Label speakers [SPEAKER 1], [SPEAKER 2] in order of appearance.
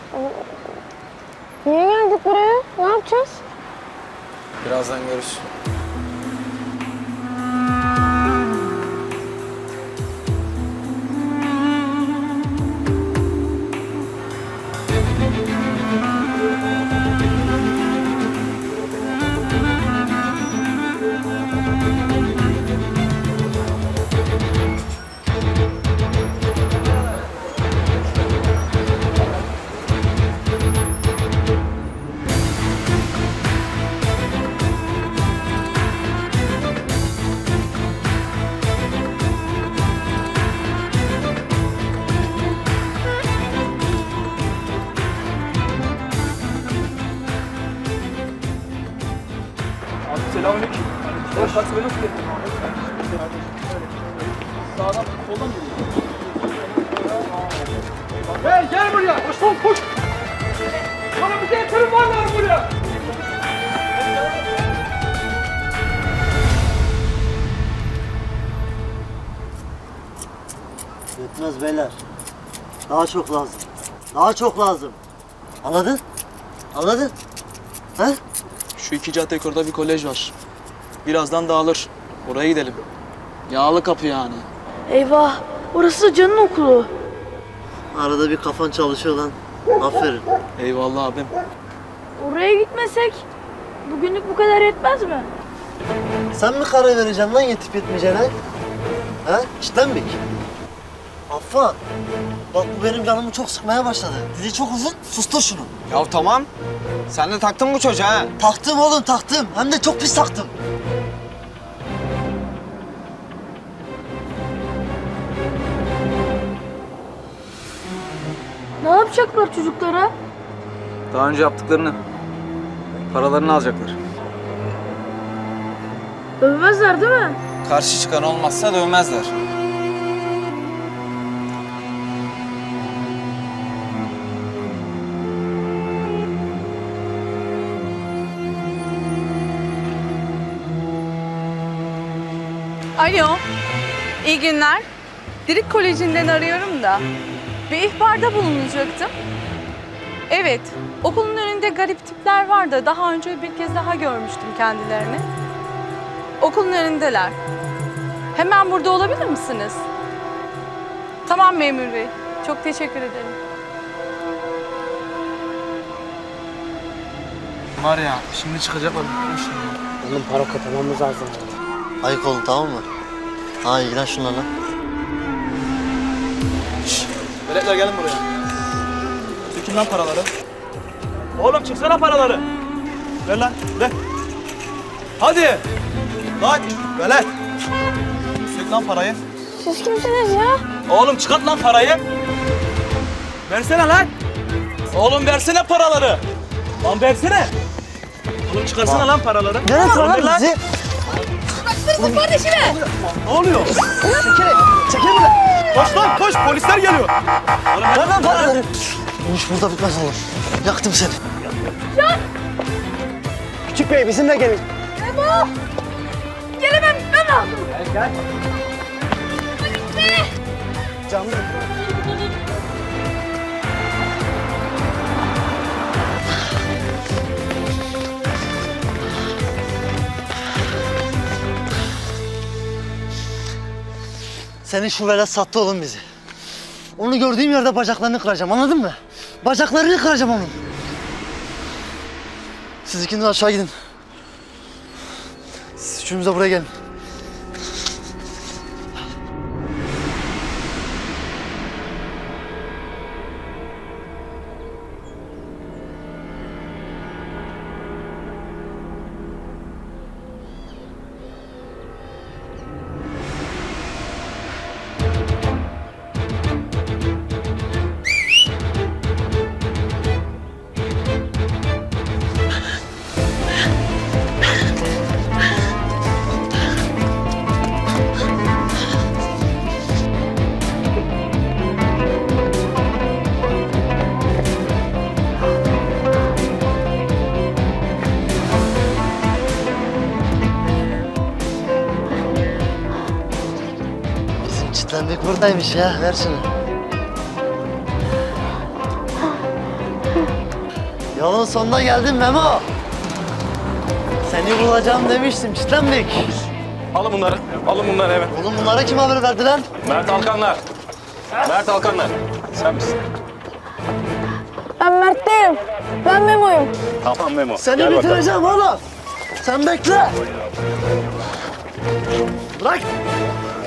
[SPEAKER 1] Niye geldik buraya? Ne yapacağız?
[SPEAKER 2] Birazdan görürsün.
[SPEAKER 3] Selamünaleyküm. Hoş taksi beni nasıl getirdin? Sağdan, soldan geliyor. Hey gel buraya! Koş lan koş! Bana bir getirin var lan buraya!
[SPEAKER 4] Yetmez beyler. Daha çok lazım. Daha çok lazım. Anladın? Anladın? He?
[SPEAKER 3] Şu iki cadde yukarıda bir kolej var. Birazdan dağılır. Oraya gidelim. Yağlı kapı yani.
[SPEAKER 1] Eyvah, orası Can'ın okulu.
[SPEAKER 4] Arada bir kafan çalışıyor lan. Aferin.
[SPEAKER 3] Eyvallah abim.
[SPEAKER 1] Oraya gitmesek bugünlük bu kadar yetmez mi?
[SPEAKER 4] Sen mi karar vereceksin lan yetip yetmeyeceğine? He? İşten mi? Affan. Bak bu benim canımı çok sıkmaya başladı. Dili çok uzun. Sustur şunu.
[SPEAKER 2] Ya tamam. Sen de taktın bu çocuğa ha.
[SPEAKER 4] Taktım oğlum taktım. Hem de çok pis taktım.
[SPEAKER 1] Ne yapacaklar çocuklara?
[SPEAKER 2] Daha önce yaptıklarını, paralarını alacaklar.
[SPEAKER 1] Dövmezler değil mi?
[SPEAKER 2] Karşı çıkan olmazsa dövmezler.
[SPEAKER 5] Alo, iyi günler. Dirik Koleji'nden arıyorum da bir ihbarda bulunacaktım. Evet, okulun önünde garip tipler var da daha önce bir kez daha görmüştüm kendilerini. Okulun önündeler. Hemen burada olabilir misiniz? Tamam memur bey, çok teşekkür ederim.
[SPEAKER 3] Var ya, şimdi çıkacaklar.
[SPEAKER 4] Oğlum para katlamamız lazım. Ayık olun tamam mı? Ha ilgilen şunlarla.
[SPEAKER 3] Veletler gelin buraya. Sökün lan paraları. Oğlum çıksana paraları. Ver lan, ver. Hadi. Lan, velet. Sök lan parayı.
[SPEAKER 1] Siz kimsiniz ya?
[SPEAKER 3] Oğlum çıkart lan parayı. Versene lan. Oğlum versene paraları. Lan versene. Oğlum çıkarsana lan paraları.
[SPEAKER 4] Nereye
[SPEAKER 3] Ver
[SPEAKER 4] lan
[SPEAKER 3] lan.
[SPEAKER 4] bizi?
[SPEAKER 1] Kardeşime!
[SPEAKER 3] Ne oluyor?
[SPEAKER 4] Çekil buradan.
[SPEAKER 3] Koş lan koş polisler geliyor. Oğlum ver
[SPEAKER 4] Ver lan paraları. Bu iş burada bitmez oğlum. Yaktım seni.
[SPEAKER 6] Küçük bey bizimle gelin.
[SPEAKER 1] Ebo! Gelemem, ben lazım.
[SPEAKER 6] Gel.
[SPEAKER 1] Ne?
[SPEAKER 6] Canlı.
[SPEAKER 4] Senin şu velet sattı oğlum bizi. Onu gördüğüm yerde bacaklarını kıracağım anladın mı? Bacaklarını kıracağım onun. Siz ikiniz aşağı gidin. Siz üçünüz de buraya gelin. Çitlenmek buradaymış ya. Ver şunu. Yolun sonuna geldin Memo. Seni bulacağım demiştim çitlenmek.
[SPEAKER 7] Alın bunları. Alın bunları eve.
[SPEAKER 4] Oğlum bunlara kim haber verdi lan?
[SPEAKER 7] Mert Alkanlar. Mert Alkanlar. Sen misin?
[SPEAKER 1] Ben Mert değilim. Ben Memo'yum.
[SPEAKER 7] Tamam Memo.
[SPEAKER 4] Seni
[SPEAKER 7] Gel bakalım.
[SPEAKER 4] bitireceğim oğlum. Sen bekle. Bırak.